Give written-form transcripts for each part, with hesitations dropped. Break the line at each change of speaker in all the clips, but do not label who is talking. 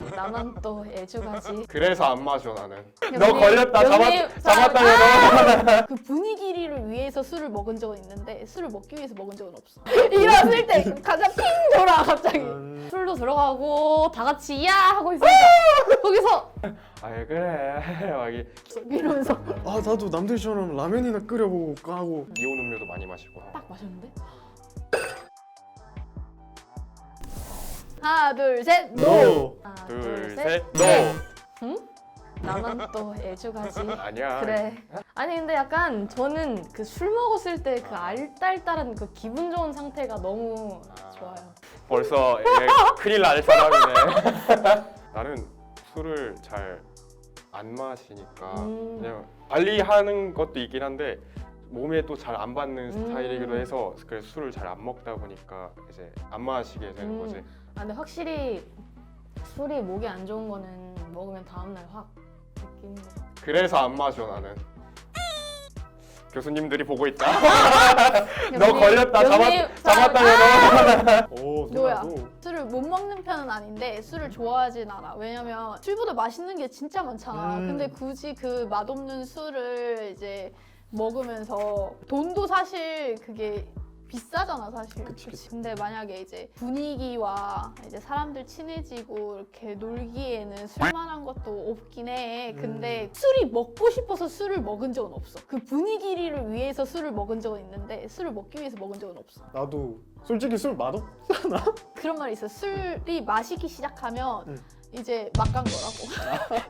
나만 또 애주가지.
그래서 안 마셔 나는. 너
여기-
걸렸다
여기
잡았다.
그 분위기를 위해서 술을 먹은 적은 있는데 술을 먹기 위해서 먹은 적은 없어. 일어났을 때 가자 핑 돌아 갑자기. 술도 들어가고 다 같이 야 하고 있으니까 거기서
아이 그래 막
이러면서
아 나도 남들처럼 라면이나 끓여보고 까고.
이온 음료도 많이 마시고.
딱 마셨는데 하나 둘 셋 노. 하나
둘 셋 노.
응? 나만 또 애주가지.
아니야.
그래. 아니 근데 약간 저는 그 술 먹었을 때 그 알딸딸한 그 기분 좋은 상태가 너무 좋아요.
벌써 얘 큰일 날 사람이네. 나는 술을 잘 안 마시니까 그냥 관리하는 것도 있긴 한데 몸에 또 잘 안 받는 스타일이기도 해서 그래서 술을 잘 안 먹다 보니까 이제 안 마시게 되는 거지.
아 근데 확실히 술이 목에 안 좋은 거는 먹으면 다음날 확 느끼는 거 같아.
그래서 안 마셔 나는. 교수님들이 보고 있다. 너 걸렸다 잡았다.
오
노야.
누나도.
술을 못 먹는 편은 아닌데 술을 좋아하진 않아. 왜냐면 술보다 맛있는 게 진짜 많잖아. 근데 굳이 그 맛없는 술을 이제 먹으면서 돈도 사실 그게 비싸잖아 사실.
그치.
근데 만약에 이제 분위기와 이제 사람들 친해지고 이렇게 놀기에는 술만한 것도 없긴 해. 근데 술이 먹고 싶어서 술을 먹은 적은 없어. 그 분위기를 위해서 술을 먹은 적은 있는데 술을 먹기 위해서 먹은 적은 없어.
나도 솔직히 술 맛없.
그런 말이 있어. 술이 마시기 시작하면 이제 막 간 거라고.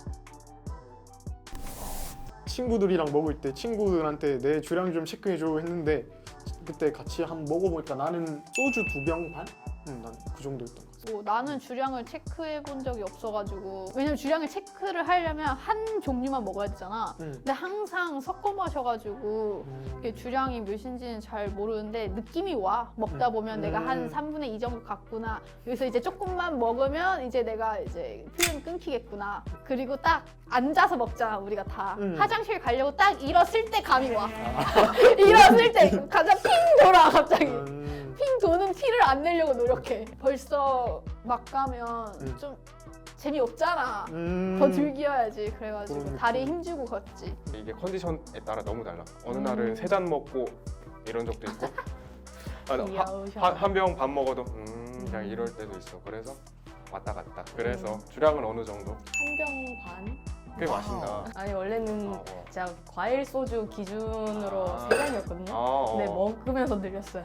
친구들이랑 먹을 때 친구들한테 내 주량 좀 체크해줘 했는데 그때 같이 한번 먹어보니까 나는 소주 2병 반? 난 그 정도였던 것 같아.
뭐 나는 주량을 체크해 본 적이 없어가지고 왜냐면 주량을 체크를 하려면 한 종류만 먹어야 되잖아. 근데 항상 섞어 마셔가지고 이게 주량이 몇인지는 잘 모르는데 느낌이 와. 먹다 보면 내가 한 3분의 2 정도 갔구나. 여기서 이제 조금만 먹으면 이제 내가 이제 필름이 끊기겠구나. 그리고 딱 앉아서 먹잖아 우리가 다. 화장실 가려고 딱 일었을 때 감이 와. 일었을 때 가자 핑 돌아 갑자기. 핑 도는 티를 안 내려고 노력해. 벌써 막 가면 좀 재미없잖아. 더 즐겨야지. 그래가지고
그런
다리
느낌.
힘주고 걷지.
이게 컨디션에 따라 너무 달라. 어느 날은 3잔 먹고 이런 적도 있고
귀여우셔.
한 병 밥 먹어도 그냥 이럴 때도 있어. 그래서 왔다 갔다. 그래서 주량은 어느 정도?
한 병 반?
꽤 마신다.
아니 원래는
어.
진짜 과일 소주 기준으로
아.
3잔이었거든요. 근데 먹으면서 늘렸어요.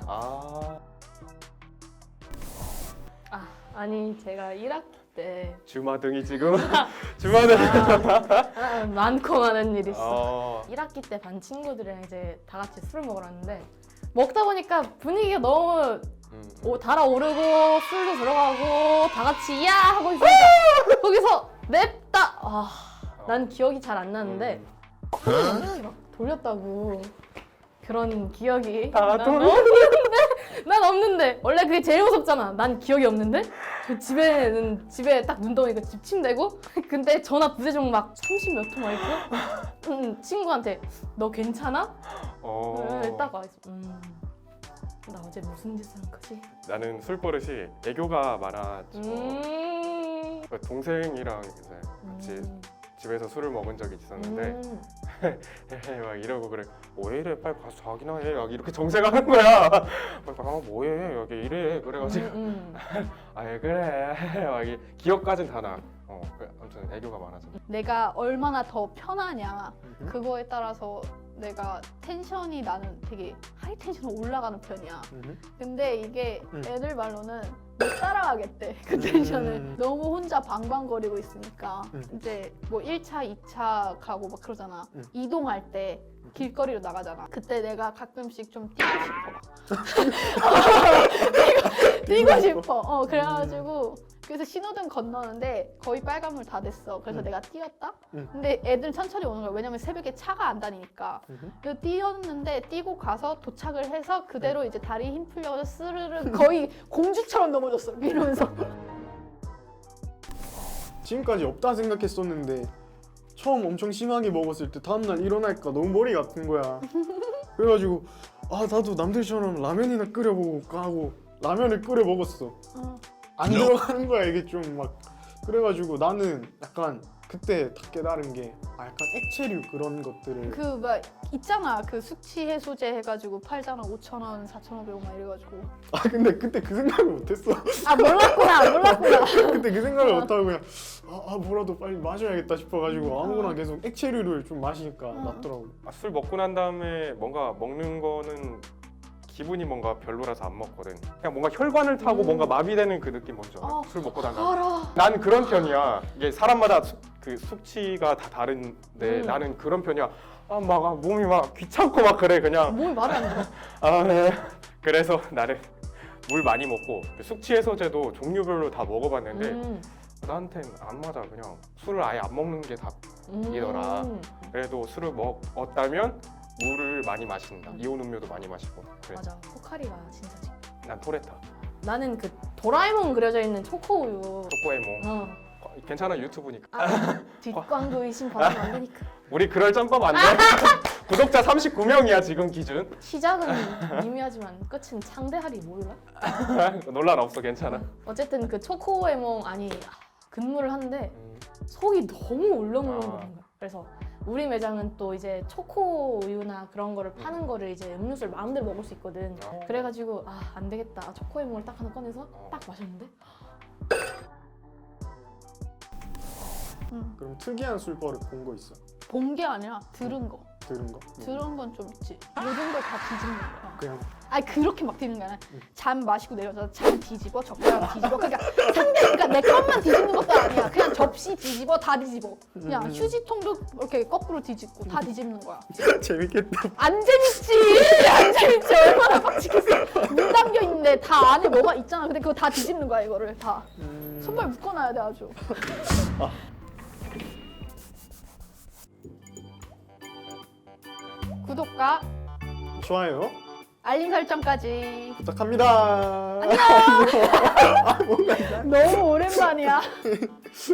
아니 제가 1학기 때
주마등이 지금 주마등.
많고 많은 일이 있어.
어.
1학기 때 반 친구들이랑 이제 다 같이 술을 먹으러 왔는데 먹다 보니까 분위기가 너무 달아오르고 술도 들어가고 다 같이 야 하고 있으니까 거기서 냅다 난 기억이 잘 안 나는데 이렇게 막 돌렸다고 그런 기억이
다
난 없는데 원래 그게 제일 무섭잖아. 난 기억이 없는데 집에 딱 눈덩이가 집침되고 근데 전화 부재중 막 30 몇 통 와 있고 친구한테 너 괜찮아? 딱 와 있어. 나 어제 무슨 짓을 한 거지?
나는 술 버릇이 애교가 많아서 그 동생이랑 이제 같이 집에서 술을 먹은 적이 있었는데 막 이러고 그래. 왜 이래? 빨리 가서 자기나 해. 막 이렇게 정색하는 거야. 빨리 가 뭐해? 여기 이래. 그래가지고 아예 그래. 막 기억까진 다 나. 아무튼 애교가 많아서.
내가 얼마나 더 편하냐 그거에 따라서 내가 텐션이 나는 되게 하이 텐션으로 올라가는 편이야. 근데 이게 애들 말로는 못 따라가겠대 그 텐션을. 너무 혼자 방방거리고 있으니까 이제 뭐 1차, 2차 가고 막 그러잖아. 이동할 때 길거리로 나가잖아. 그때 내가 가끔씩 좀 뛰고 싶어. 뛰고 싶어. 그래가지고 그래서 신호등 건너는데 거의 빨간불 다 됐어. 그래서 내가 뛰었다? 근데 애들 천천히 오는 거야. 왜냐면 새벽에 차가 안 다니니까. 그래서 뛰었는데 뛰고 가서 도착을 해서 그대로 이제 다리 힘 풀려서 스르르 거의 공주처럼 넘어졌어. 이러면서.
지금까지 없다 생각했었는데 처음 엄청 심하게 먹었을 때 다음날 일어나니까 너무 머리가 아픈 거야. 그래가지고 나도 남들처럼 라면이나 끓여보고 까고 라면을 끓여 먹었어. 안 들어가는 거야 이게 좀 막 그래가지고 나는 약간 그때 다 깨달은 게 약간 액체류 그런 것들을
그 막 있잖아 그 숙취 해소제 해가지고 팔잖아 5,000원, 4,500원 막 이래가지고.
근데 그때 그 생각을 못했어.
아 몰랐구나.
그때 그 생각을 못하고 그냥 뭐라도 빨리 마셔야겠다 싶어가지고 아무거나 계속 액체류를 좀 마시니까 낫더라고.
술 먹고 난 다음에 뭔가 먹는 거는 기분이 뭔가 별로라서 안 먹거든. 그냥 뭔가 혈관을 타고 뭔가 마비되는 그 느낌 뭔지 알아? 술 먹고 난 다음에.
알아.
난 그런 편이야. 이게 사람마다 그 숙취가 다 다른데 나는 그런 편이야. 막 몸이 막 귀찮고 막 그래 그냥.
몸이 말을 안 들어.
네. 그래서 나는 물 많이 먹고 숙취 해소제도 종류별로 다 먹어봤는데 나한텐 안 맞아. 그냥 술을 아예 안 먹는 게 답이더라. 그래도 술을 먹었다면 물을 많이 마신다. 이온 음료도 많이 마시고. 그래.
맞아. 포카리가 진짜 지
난 토레타.
나는 그 도라에몽 그려져 있는 초코우유.
초코에몽. 괜찮아 유튜브니까.
뒷광고 의심 받으면 안 되니까.
우리 그럴 짬밥 안 돼. 구독자 39명이야 지금 기준.
시작은 미미하지만 끝은 창대하리 몰라?
논란 없어 괜찮아.
어쨌든 그 초코에몽 근무를 하는데 속이 너무 울렁울렁 거리는 거야. 그래서 우리 매장은 또 이제 초코우유나 그런 거를 파는 거를 이제 음료수를 마음대로 먹을 수 있거든. 그래가지고 안 되겠다. 초코에몽을 딱 하나 꺼내서 딱 마셨는데
그럼 특이한 술버릇 본 거 있어?
본 게 아니라 들은 거.
들은 거?
들은 건 좀 있지. 모든 걸 다 뒤집는 거야.
그냥
아니 그렇게 막 뒤집는 게 아니라 잔 마시고 내려서 잔 뒤집어 젓가락 뒤집어 그러니까 내 것만 뒤집는 것도 아니야. 그냥 접시 뒤집어 다 뒤집어. 그냥 휴지통도 이렇게 거꾸로 뒤집고 다 뒤집는 거야.
재밌겠다.
안 재밌지. 안 재밌지. 얼마나 빡치겠어. 문 담겨 있는데 다 안에 뭐가 있잖아. 근데 그거 다 뒤집는 거야 이거를 다. 손발 묶어놔야 돼 아주. 구독과
좋아요
알림 설정까지.
부탁합니다.
너무 오랜만이야.